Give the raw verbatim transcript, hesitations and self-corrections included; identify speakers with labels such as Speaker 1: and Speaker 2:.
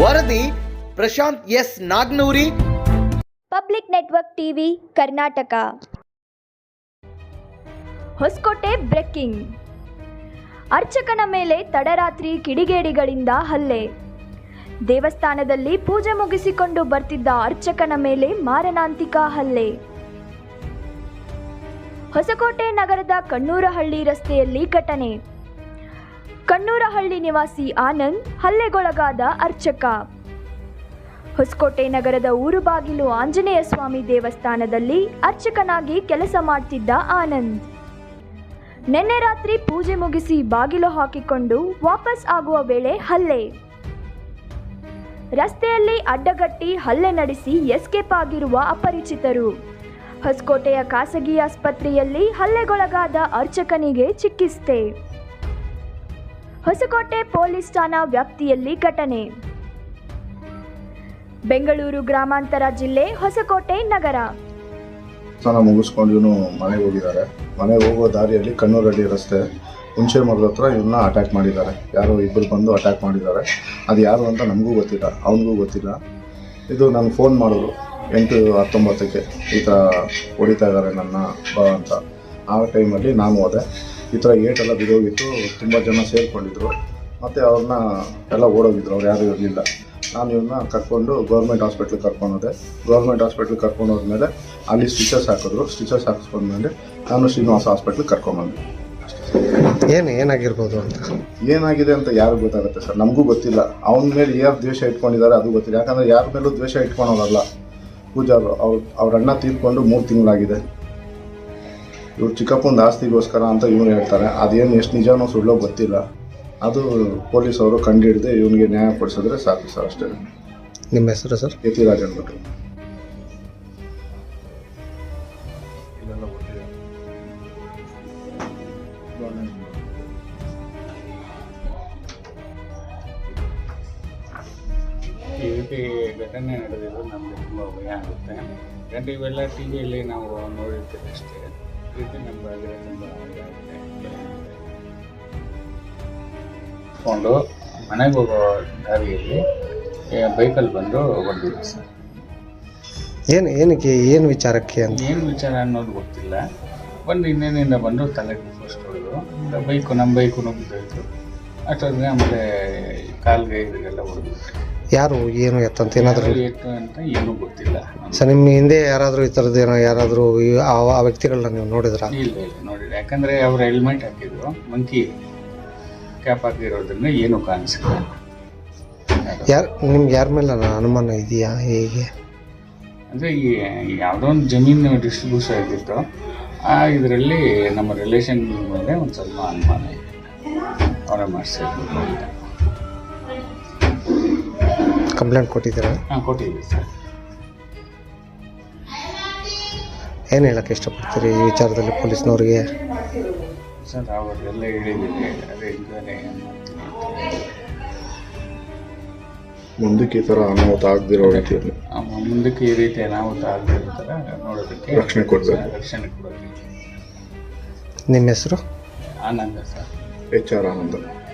Speaker 1: ವರದಿ Prashant S Nagnoori,
Speaker 2: public network TV Karnataka. Hosakote breaking. ಅರ್ಚಕನ ಮೇಲೆ ತಡರಾತ್ರಿ ಕಿಡಿಗೇಡಿಗಳಿಂದ ಹಲ್ಲೆ. ದೇವಸ್ಥಾನದಲ್ಲಿ ಪೂಜೆ ಮುಗಿಸಿಕೊಂಡು ಬರ್ತಿದ್ದ ಅರ್ಚಕನ ಮೇಲೆ ಮಾರಣಾಂತಿಕ ಹಲ್ಲೆ. ಹೊಸಕೋಟೆ ನಗರದ ಕಣ್ಣೂರಹಳ್ಳಿ ರಸ್ತೆಯಲ್ಲಿ ಘಟನೆ. ಕಣ್ಣೂರಹಳ್ಳಿ ನಿವಾಸಿ ಆನಂದ್ ಹಲ್ಲೆಗೊಳಗಾದ ಅರ್ಚಕ. ಹೊಸಕೋಟೆ ನಗರದ ಊರುಬಾಗಿಲು ಆಂಜನೇಯ ಸ್ವಾಮಿ ದೇವಸ್ಥಾನದಲ್ಲಿ ಅರ್ಚಕನಾಗಿ ಕೆಲಸ ಮಾಡ್ತಿದ್ದ ಆನಂದ್ ನಿನ್ನೆ ರಾತ್ರಿ ಪೂಜೆ ಮುಗಿಸಿ ಬಾಗಿಲು ಹಾಕಿಕೊಂಡು ವಾಪಸ್ ಆಗುವ ವೇಳೆ ಹಲ್ಲೆ. ರಸ್ತೆಯಲ್ಲಿ ಅಡ್ಡಗಟ್ಟಿ ಹಲ್ಲೆ ನಡೆಸಿ ಎಸ್ಕೇಪ್ ಆಗಿರುವ ಅಪರಿಚಿತರು. ಹೊಸಕೋಟೆಯ ಖಾಸಗಿ ಆಸ್ಪತ್ರೆಯಲ್ಲಿ ಹಲ್ಲೆಗೊಳಗಾದ ಅರ್ಚಕನಿಗೆ ಚಿಕಿತ್ಸೆ. ಹೊಸಕೋಟೆ ಪೊಲೀಸ್ ಠಾಣಾ ವ್ಯಾಪ್ತಿಯಲ್ಲಿ ಘಟನೆ. ಬೆಂಗಳೂರು ಗ್ರಾಮಾಂತರ ಜಿಲ್ಲೆ, ಹೊಸಕೋಟೆ ನಗರ.
Speaker 3: ಸ್ನಾನ ಮುಗಿಸ್ಕೊಂಡು ಇವನು ಮನೆಗೆ ಹೋಗಿದ್ದಾರೆ. ಮನೆಗೆ ಹೋಗೋ ದಾರಿಯಲ್ಲಿ ಕಣ್ಣೂರಹಳ್ಳಿ ರಸ್ತೆ ಹುಣಸೆ ಮರದ ಹತ್ರ ಇವನ್ನ ಅಟ್ಯಾಕ್ ಮಾಡಿದ್ದಾರೆ. ಯಾರೋ ಇಬ್ಬರು ಬಂದು ಅಟ್ಯಾಕ್ ಮಾಡಿದ್ದಾರೆ. ಅದು ಯಾರು ಅಂತ ನಮಗೂ ಗೊತ್ತಿಲ್ಲ, ಅವನಿಗೂ ಗೊತ್ತಿಲ್ಲ. ಇದು ನನಗೆ ಫೋನ್ ಮಾಡಿದ್ರು ಎಂಟು ಹತ್ತೊಂಬತ್ತಕ್ಕೆ, ಈ ಥರ ಹೊಡಿತಾ ಇದ್ದಾರೆ ನನ್ನ ಬಾ ಅಂತ. ಆ ಟೈಮಲ್ಲಿ ನಾನು ಹೋದೆ. ಈ ಥರ ಏಟೆಲ್ಲ ಬಿದ್ದೋಗಿತ್ತು, ತುಂಬ ಜನ ಸೇರಿಕೊಂಡಿದ್ರು. ಮತ್ತು ಅವ್ರನ್ನ ಎಲ್ಲ ಓಡೋಗಿದ್ರು, ಅವ್ರು ಯಾರೂ ಇರಲಿಲ್ಲ. ನಾನು ಇವನ್ನ ಕರ್ಕೊಂಡು ಗೌರ್ಮೆಂಟ್ ಹಾಸ್ಪಿಟ್ಲಿಗೆ ಕರ್ಕೊಂಡೋದೆ. ಗೌರ್ಮೆಂಟ್ ಹಾಸ್ಪಿಟ್ಲಿಗೆ ಕರ್ಕೊಂಡು ಹೋದ್ಮೇಲೆ ಅಲ್ಲಿ ಸ್ಟಿಚಸ್ ಹಾಕಿದ್ರು. ಸ್ಟಿಚಸ್ ಹಾಕಿಸ್ಕೊಂಡ್ಮೇಲೆ ನಾನು ಶ್ರೀನಿವಾಸ ಹಾಸ್ಪಿಟ್ಲಿಗೆ ಕರ್ಕೊಂಡ್ಬಂದೆ.
Speaker 4: ಏನು ಏನಾಗಿರ್ಬೋದು ಅಂತ
Speaker 3: ಏನಾಗಿದೆ ಅಂತ ಯಾರಿಗೂ ಗೊತ್ತಾಗುತ್ತೆ ಸರ್, ನಮಗೂ ಗೊತ್ತಿಲ್ಲ. ಅವನ ಮೇಲೆ ಯಾರು ದ್ವೇಷ ಇಟ್ಕೊಂಡಿದ್ದಾರೆ ಅದು ಗೊತ್ತಿಲ್ಲ. ಯಾಕಂದರೆ ಯಾರ ಮೇಲೂ ದ್ವೇಷ ಇಟ್ಕೊಳೋರಲ್ಲ ಪೂಜಾರು. ಅವ್ರು ಅವ್ರ ಅಣ್ಣ ತೀರ್ಕೊಂಡು ಮೂರು ತಿಂಗಳಾಗಿದೆ. ಇವ್ರು ಚಿಕ್ಕಪ್ಪನ ಆಸ್ತಿಗೋಸ್ಕರ ಅಂತ ಇವ್ರು ಹೇಳ್ತಾರೆ. ಅದೇನು ಎಷ್ಟು ನಿಜನೋ ಸುಳ್ಳೋ ಗೊತ್ತಿಲ್ಲ. ಅದು ಪೊಲೀಸವರು ಕಂಡು ಹಿಡಿದು ಇವನಿಗೆ ನ್ಯಾಯ ಕೊಡಿಸಿದ್ರೆ ಸಾಕು ಸರ್, ಅಷ್ಟೇ.
Speaker 4: ನಿಮ್ಮ ಹೆಸರು ಸರ್?
Speaker 3: ಯತಿರಾಜ್ ಅಂದ್ಬಿಟ್ಟು.
Speaker 5: ಈ ರೀತಿ ಘಟನೆ ನಡೆದಿದ್ದು ನಮಗೆ ತುಂಬ ಭಯ ಆಗುತ್ತೆ. ಯಾಕಂದರೆ ಇವೆಲ್ಲ ಟಿ ವಿಯಲ್ಲಿ ನಾವು ನೋಡಿರ್ತೀವಿ ಅಷ್ಟೇ. ಈ ರೀತಿ ನಮ್ಮ ಬಗ್ಗೆ ತುಂಬ ಭಯ ಆಗುತ್ತೆ. ಕೊಂಡು ಮನೆಗೆ ಹೋಗೋ ದಾರಿಯಲ್ಲಿ ಬೈಕಲ್ಲಿ ಬಂದು ಹೊಡೆದಿದ್ದೆ ಸರ್.
Speaker 4: ಏನು ಏನಕ್ಕೆ ಏನು ವಿಚಾರಕ್ಕೆ ಅಂತ
Speaker 5: ಏನು ವಿಚಾರ ಅನ್ನೋದು ಗೊತ್ತಿಲ್ಲ. ಬಂದು ಇನ್ನೇನಿಂದ ಬಂದು ತಲೆಗೆ ಫಸ್ಟ್ ಹೊಡೆದು ಬೈಕು ನಮ್ಮ ಬೈಕು ನುಗ್ಗಿದ್ದು. ಅಷ್ಟೊತ್ತಿಗೆ ಆಮೇಲೆ ಕಾಲ್ಗೆ ಇದಕ್ಕೆಲ್ಲ ಹೊಡೆದ್ಬಿಟ್ಟೆ.
Speaker 4: ಯಾರು ಏನು ಎತ್ತಂತ ಏನಾದರೂ
Speaker 5: ಎತ್ತು ಅಂತ ಏನೂ ಗೊತ್ತಿಲ್ಲ
Speaker 4: ಸರ್. ನಿಮ್ಮ ಹಿಂದೆ ಯಾರಾದರೂ ಈ ಥರದ್ದು ಏನೋ ಯಾರಾದರೂ ಆ ವ್ಯಕ್ತಿಗಳನ್ನ ನೀವು ನೋಡಿದ್ರಾ?
Speaker 5: ಇಲ್ಲ ಇಲ್ಲ ನೋಡಿಲ್ಲ. ಯಾಕಂದರೆ ಅವ್ರು ಹೆಲ್ಮೆಟ್ ಹಾಕಿದ್ರು, ಮಂಕಿ ಕ್ಯಾಪ್ ಹಾಕಿರೋದ್ರಿಂದ ಏನೂ ಕಾಣಿಸಿಲ್ಲ.
Speaker 4: ಯಾರು ನಿಮ್ಗೆ ಯಾರ ಮೇಲೆ ಅನುಮಾನ ಇದೆಯಾ ಹೇಗೆ?
Speaker 5: ಅಂದರೆ ಈ ಯಾವುದೋ ಒಂದು ಜಮೀನು ಡಿಸ್ಟ್ರಿಬ್ಯೂಷನ್ ಆಗಿತ್ತು. ಆ ಇದರಲ್ಲಿ ನಮ್ಮ ರಿಲೇಷನ್ ಮೇಲೆ ಒಂದು ಸ್ವಲ್ಪ ಅನುಮಾನ ಇದೆ. ಅವರೇ ಮಾಡಿಸಿದ್ರು ಅಂತ
Speaker 4: ಕಂಪ್ಲೇಂಟ್ ಕೊಟ್ಟಿದ್ದೀರಾ?
Speaker 5: ಹಾಂ ಕೊಟ್ಟಿದ್ದೀವಿ ಸರ್.
Speaker 4: ಏನು ಹೇಳೋಕ್ಕೆ ಇಷ್ಟಪಡ್ತೀರಿ ಈ ವಿಚಾರದಲ್ಲಿ ಪೊಲೀಸ್ನವ್ರಿಗೆ?
Speaker 5: ಸರ್ ಅವರೆಲ್ಲ ಹೇಳಿದ್ದೀವಿ, ಅದೇ ಇದ್ದಾರೆ.
Speaker 3: ಮುಂದಕ್ಕೆ ಈ ಥರ ಅನಾಹುತ ಆಗದಿರೋ ರೀತಿಯಲ್ಲಿ
Speaker 5: ಮುಂದಕ್ಕೆ ಈ ರೀತಿ ಅನಾಹುತ ಆಗದಿರೋ ಥರ ನೋಡೋದಕ್ಕೆ
Speaker 3: ರಕ್ಷಣೆ ಕೊಡಬೇಕು.
Speaker 5: ರಕ್ಷಣೆ ಕೊಡೋದಕ್ಕೆ.
Speaker 4: ನಿಮ್ಮ ಹೆಸರು?
Speaker 5: ಆನಂದ ಸರ್.
Speaker 3: ಎಚ್ ಆರ್ ಆನಂದ.